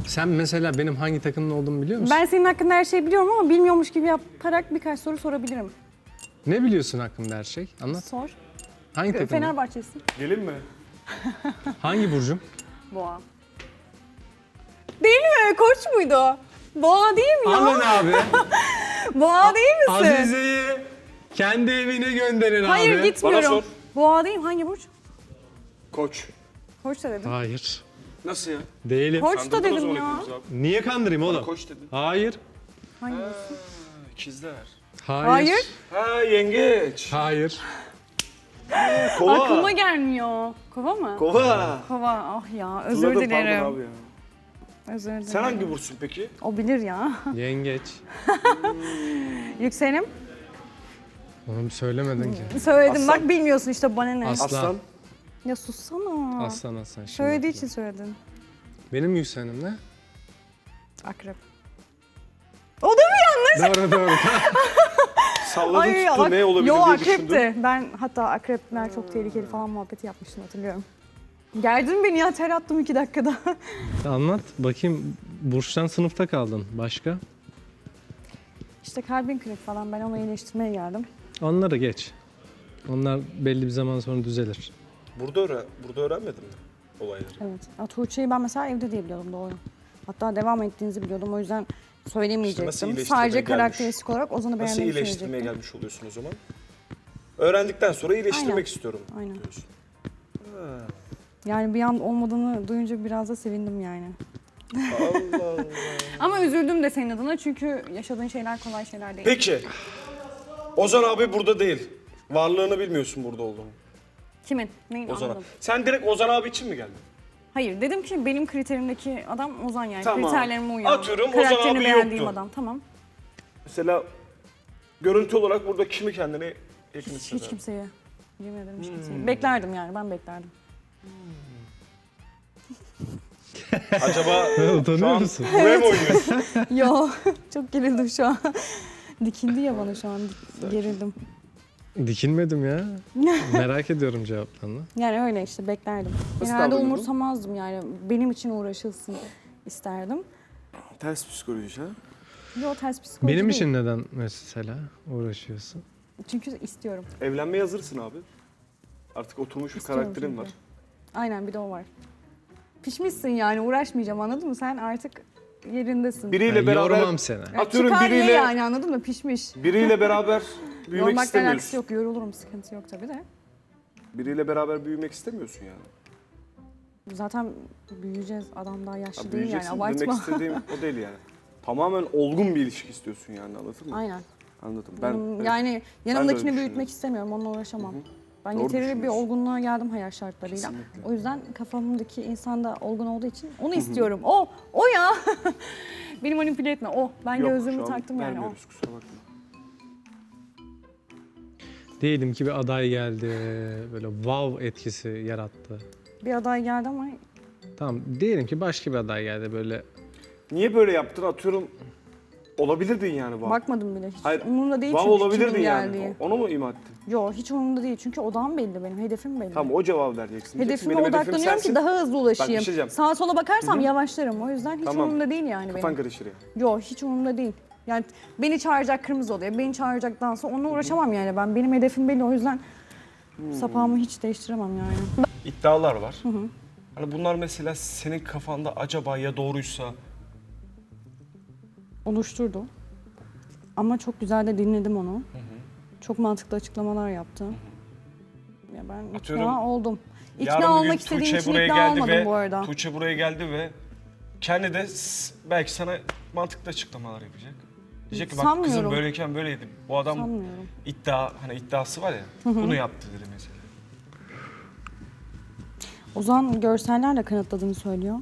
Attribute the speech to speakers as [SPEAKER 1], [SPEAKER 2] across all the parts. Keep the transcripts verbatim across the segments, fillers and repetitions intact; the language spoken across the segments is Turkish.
[SPEAKER 1] Sen mesela benim hangi takımda olduğumu biliyor musun?
[SPEAKER 2] Ben senin hakkında her şeyi biliyorum ama bilmiyormuş gibi yaparak birkaç soru sorabilirim.
[SPEAKER 1] Ne biliyorsun hakkında her şey? Anlat.
[SPEAKER 2] Sor.
[SPEAKER 1] Hangi takım?
[SPEAKER 2] Fenerbahçe'sin.
[SPEAKER 3] Gelin mi?
[SPEAKER 1] Hangi burcum?
[SPEAKER 2] Boğa. Değil mi? Koç muydu? Boğa değil mi ya?
[SPEAKER 1] Alın abi.
[SPEAKER 2] Boğa değil misin?
[SPEAKER 1] Azize'yi kendi evine gönderin
[SPEAKER 2] Hayır
[SPEAKER 1] abi.
[SPEAKER 2] gitmiyorum.
[SPEAKER 3] Bana sor.
[SPEAKER 2] Boğa değil mi? Hangi burç?
[SPEAKER 3] Koç.
[SPEAKER 2] Koç da dedim.
[SPEAKER 1] Hayır.
[SPEAKER 3] Nasıl ya?
[SPEAKER 1] Değilim.
[SPEAKER 2] Koç da
[SPEAKER 3] Kandırdın o
[SPEAKER 2] dedim
[SPEAKER 3] zaman
[SPEAKER 2] ya.
[SPEAKER 3] hepimizi abi.
[SPEAKER 1] Niye kandırayım oğlum?
[SPEAKER 3] Koç dedin.
[SPEAKER 1] Hayır.
[SPEAKER 2] Hangi burç?
[SPEAKER 3] İkizler.
[SPEAKER 1] Hayır.
[SPEAKER 2] Hayır.
[SPEAKER 3] Ha yengeç.
[SPEAKER 1] Hayır.
[SPEAKER 3] Kova.
[SPEAKER 2] Aklıma gelmiyor. Kova mı?
[SPEAKER 3] Kova.
[SPEAKER 2] Kova. Ah ya özür
[SPEAKER 3] Hatırladım, pardon
[SPEAKER 2] dilerim.
[SPEAKER 3] abi ya.
[SPEAKER 2] Özür dilerim.
[SPEAKER 3] Sen hangi burçsun peki?
[SPEAKER 2] O bilir ya.
[SPEAKER 1] Yengeç.
[SPEAKER 2] Yükselenim.
[SPEAKER 1] Onu söylemedin ki.
[SPEAKER 2] Söyledim
[SPEAKER 3] Aslan.
[SPEAKER 2] bak bilmiyorsun işte bana ne.
[SPEAKER 1] Aslan.
[SPEAKER 3] Aslan.
[SPEAKER 2] Ya sussana.
[SPEAKER 1] Aslan aslan. Şimdi
[SPEAKER 2] Söylediği
[SPEAKER 1] hatırladım.
[SPEAKER 2] için söyledin.
[SPEAKER 1] Benim yükselenim ne?
[SPEAKER 2] Akrep. O da mı yanlış?
[SPEAKER 1] Doğru doğru.
[SPEAKER 3] Salladım tuttu
[SPEAKER 2] ak-
[SPEAKER 3] ne olabilir
[SPEAKER 2] Yo,
[SPEAKER 3] diye düşündüm.
[SPEAKER 2] akrepti. Ben hatta akrepler çok tehlikeli falan muhabbeti yapmıştım hatırlıyorum. Geldin beni ya ter attım iki dakikada.
[SPEAKER 1] Anlat bakayım. Burçtan sınıfta kaldın. Başka?
[SPEAKER 2] İşte kalbin kırık falan ben onu iyileştirmeye geldim.
[SPEAKER 1] Onları geç. Onlar belli bir zaman sonra düzelir.
[SPEAKER 3] Burada, öğren burada öğrenmedin mi olayları?
[SPEAKER 2] Evet. Ya, Tuğçe'yi ben mesela evde diye biliyordum doğru. Hatta devam ettiğinizi biliyordum o yüzden söylemeyecektim.
[SPEAKER 3] İşte nasıl iyileştirmeye
[SPEAKER 2] Sadece
[SPEAKER 3] gelmiş?
[SPEAKER 2] karakteristik olarak Ozan'ı
[SPEAKER 3] Nasıl
[SPEAKER 2] beğendiğimi
[SPEAKER 3] iyileştirmeye
[SPEAKER 2] söyleyecektim.
[SPEAKER 3] gelmiş oluyorsun o zaman? Öğrendikten sonra iyileştirmek
[SPEAKER 2] Aynen.
[SPEAKER 3] istiyorum
[SPEAKER 2] Aynen.
[SPEAKER 3] diyorsun.
[SPEAKER 2] Yani bir an olmadığını duyunca biraz da sevindim yani.
[SPEAKER 3] Allah Allah.
[SPEAKER 2] Ama üzüldüm de senin adına çünkü yaşadığın şeyler kolay şeyler değil.
[SPEAKER 3] Peki. Ozan abi burada değil. Varlığını bilmiyorsun burada olduğunu.
[SPEAKER 2] Kimin? Neyin
[SPEAKER 3] Ozan abi.
[SPEAKER 2] anladım.
[SPEAKER 3] Sen direkt Ozan abi için mi geldin?
[SPEAKER 2] Hayır dedim ki benim kriterimdeki adam Ozan yani.
[SPEAKER 3] Tamam.
[SPEAKER 2] Kriterlerime uyan.
[SPEAKER 3] Atıyorum, Ozan
[SPEAKER 2] Karakterini
[SPEAKER 3] abi
[SPEAKER 2] beğendiğim
[SPEAKER 3] yoktu.
[SPEAKER 2] adam. Tamam.
[SPEAKER 3] Mesela görüntü olarak burada kimi kendine yakın
[SPEAKER 2] Hiç,
[SPEAKER 3] hisseder?
[SPEAKER 2] hiç kimseye. Yemin ederim hiç
[SPEAKER 3] Hmm.
[SPEAKER 2] kimseye. Beklerdim yani ben beklerdim.
[SPEAKER 3] Acaba şu
[SPEAKER 1] Utanıyor
[SPEAKER 3] an
[SPEAKER 1] musun?
[SPEAKER 3] buraya mı oynuyorsun?
[SPEAKER 2] Yo çok gerildim şu an. Dikindi ya bana şu an. Gerildim.
[SPEAKER 1] Dikilmedim ya. Merak ediyorum cevaplarını.
[SPEAKER 2] Yani öyle işte beklerdim.
[SPEAKER 3] Nasıl
[SPEAKER 2] Genelde
[SPEAKER 3] davranıyordun?
[SPEAKER 2] umursamazdım yani. Benim için uğraşılsın isterdim.
[SPEAKER 3] Ters psikoloji ha?
[SPEAKER 2] Yo ters psikoloji
[SPEAKER 1] Benim
[SPEAKER 2] değil.
[SPEAKER 1] için neden mesela uğraşıyorsun?
[SPEAKER 2] Çünkü istiyorum.
[SPEAKER 3] Evlenmeye hazırsın abi. Artık oturmuş bir
[SPEAKER 2] İstiyorum
[SPEAKER 3] karakterin
[SPEAKER 2] çünkü.
[SPEAKER 3] var.
[SPEAKER 2] Aynen bir de o var. Pişmişsin yani uğraşmayacağım anladın mı? Sen artık yerindesin.
[SPEAKER 3] Biriyle
[SPEAKER 1] Ben
[SPEAKER 3] beraber
[SPEAKER 1] yormam seni.
[SPEAKER 2] Ya
[SPEAKER 3] atıyorum
[SPEAKER 2] çıkar ye
[SPEAKER 3] biriyle
[SPEAKER 2] yani anladın mı? Pişmiş.
[SPEAKER 3] biriyle beraber büyümek
[SPEAKER 2] Yormakla alakası
[SPEAKER 3] istemiyorsun.
[SPEAKER 2] yok. Yorulurum sıkıntı yok tabii de.
[SPEAKER 3] Biriyle beraber büyümek istemiyorsun yani.
[SPEAKER 2] Zaten büyüyeceğiz. Adam daha yaşlı
[SPEAKER 3] Ha,
[SPEAKER 2] değil yani
[SPEAKER 3] büyüyeceksin demek
[SPEAKER 2] abartma.
[SPEAKER 3] istediğim o değil yani. Tamamen olgun bir ilişki istiyorsun yani anladın mı?
[SPEAKER 2] Aynen.
[SPEAKER 3] Anladım. Ben
[SPEAKER 2] Hmm,
[SPEAKER 3] evet.
[SPEAKER 2] yani yanımdakini
[SPEAKER 3] düşünüyorum.
[SPEAKER 2] büyütmek istemiyorum. Onunla uğraşamam. Ben
[SPEAKER 3] Doğru
[SPEAKER 2] yeterli bir
[SPEAKER 3] düşünüyorsun.
[SPEAKER 2] olgunluğa geldim hayat şartlarıyla.
[SPEAKER 3] Kesinlikle.
[SPEAKER 2] O yüzden kafamdaki insan da olgun olduğu için onu istiyorum. O, o ya. Beni manipüle etme. O. Ben
[SPEAKER 3] Yok,
[SPEAKER 2] gözlüğümü
[SPEAKER 3] şu an
[SPEAKER 2] taktım yani o.
[SPEAKER 3] vermiyoruz, kusura bakma.
[SPEAKER 1] Diyelim ki bir aday geldi, böyle wow etkisi yarattı.
[SPEAKER 2] Bir aday geldi ama
[SPEAKER 1] Tamam, diyelim ki başka bir aday geldi böyle.
[SPEAKER 3] Niye böyle yaptın atıyorum olabilirdin yani bu.
[SPEAKER 2] bakmadım bile. Hiç
[SPEAKER 3] Hayır.
[SPEAKER 2] umurumda değil
[SPEAKER 3] Vav
[SPEAKER 2] çünkü
[SPEAKER 3] olabilirdin
[SPEAKER 2] kimin
[SPEAKER 3] yani.
[SPEAKER 2] geldiği.
[SPEAKER 3] Onu mu ima ettin?
[SPEAKER 2] Yok hiç umurumda değil çünkü odağım belli benim. Hedefim belli.
[SPEAKER 3] Tamam o cevabı vereceksin. Diyeceksin,
[SPEAKER 2] Hedefime
[SPEAKER 3] benim hedefim
[SPEAKER 2] odaklanıyorum
[SPEAKER 3] sensin.
[SPEAKER 2] ki daha hızlı ulaşayım.
[SPEAKER 3] Bak, bir şey diyeceğim.
[SPEAKER 2] Sağa sola bakarsam yavaşlarım. O yüzden hiç
[SPEAKER 3] Tamam.
[SPEAKER 2] umurumda değil yani
[SPEAKER 3] Kafan
[SPEAKER 2] benim.
[SPEAKER 3] karışır ya.
[SPEAKER 2] Yok hiç umurumda değil. Yani beni çağıracak kırmızı oluyor. Beni çağıracak dansa onunla uğraşamam yani ben. Benim hedefim belli o yüzden sapağımı hiç değiştiremem yani.
[SPEAKER 3] İddialar var. Hani bunlar mesela senin kafanda acaba ya doğruysa
[SPEAKER 2] Oluşturdu. Ama çok güzel de dinledim onu. Çok mantıklı açıklamalar yaptı. Ya ben
[SPEAKER 3] Atıyorum,
[SPEAKER 2] ikna oldum. İkna
[SPEAKER 3] yarın bir gün
[SPEAKER 2] olmak istediğim
[SPEAKER 3] Tuğçe
[SPEAKER 2] için
[SPEAKER 3] buraya
[SPEAKER 2] ikna
[SPEAKER 3] geldi
[SPEAKER 2] olmadım
[SPEAKER 3] ve
[SPEAKER 2] bu arada.
[SPEAKER 3] Tuğçe buraya geldi ve kendi de s- belki sana mantıklı açıklamalar yapacak. Diyecek ki bak kızım
[SPEAKER 2] Sanmıyorum.
[SPEAKER 3] böyleyken böyleydi. Bu adam
[SPEAKER 2] Sanmıyorum.
[SPEAKER 3] iddia hani iddiası var ya bunu yaptı dedi mesela.
[SPEAKER 2] Ozan görsellerle kanıtladığını söylüyor.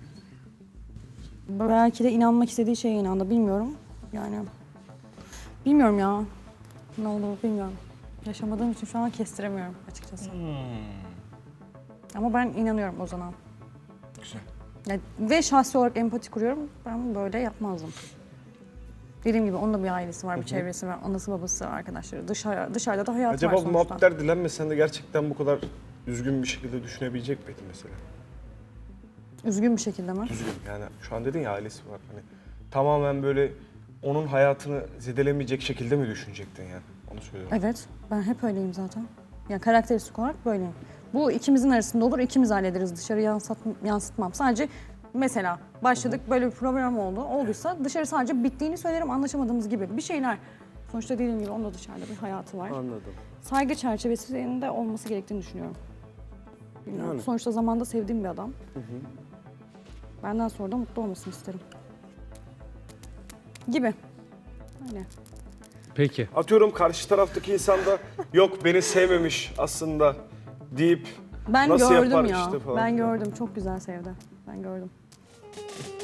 [SPEAKER 2] Belki de inanmak istediği şeye inandı. Bilmiyorum. Yani bilmiyorum ya. Ne olduğunu bilmiyorum. Yaşamadığım için şu an kestiremiyorum açıkçası. Ama ben inanıyorum Ozan'a.
[SPEAKER 3] Güzel.
[SPEAKER 2] Ya, ve şahsi olarak empati kuruyorum. Ben böyle yapmazdım. Dediğim gibi onun da bir ailesi var, bir çevresi var, anası babası, arkadaşları. Dışarı, dışarıda da hayat
[SPEAKER 3] Acaba
[SPEAKER 2] var
[SPEAKER 3] bu
[SPEAKER 2] sonuçta.
[SPEAKER 3] muhabbetler dilenmesen de gerçekten bu kadar düzgün bir şekilde düşünebilecek miydin mesela?
[SPEAKER 2] Üzgün bir şekilde mi?
[SPEAKER 3] Düzgün yani şu an dedin ya ailesi var. Hani tamamen böyle onun hayatını zedelemeyecek şekilde mi düşünecektin yani? Onu söylüyorum.
[SPEAKER 2] Evet, ben hep öyleyim zaten. Yani karakteristik olarak böyleyim. Bu ikimizin arasında olur, ikimiz hallederiz. Dışarı yansıt, yansıtmam. Sadece mesela başladık, böyle bir problem oldu. Olduysa dışarı sadece bittiğini söylerim, anlaşamadığımız gibi bir şeyler. Sonuçta dediğim gibi onun da dışarıda bir hayatı var.
[SPEAKER 3] Anladım.
[SPEAKER 2] Saygı çerçevesinde olması gerektiğini düşünüyorum. Bilmiyorum.
[SPEAKER 3] Yani.
[SPEAKER 2] Sonuçta zamanda sevdiğim bir adam. Benden sonra da mutlu olmasını isterim. Gibi. Öyle.
[SPEAKER 1] Peki.
[SPEAKER 3] Atıyorum karşı taraftaki insan da yok beni sevmemiş aslında deyip
[SPEAKER 2] Ben
[SPEAKER 3] nasıl
[SPEAKER 2] gördüm
[SPEAKER 3] yapar
[SPEAKER 2] ya.
[SPEAKER 3] işte falan.
[SPEAKER 2] Ben gördüm. Çok güzel sevdi. Ben gördüm.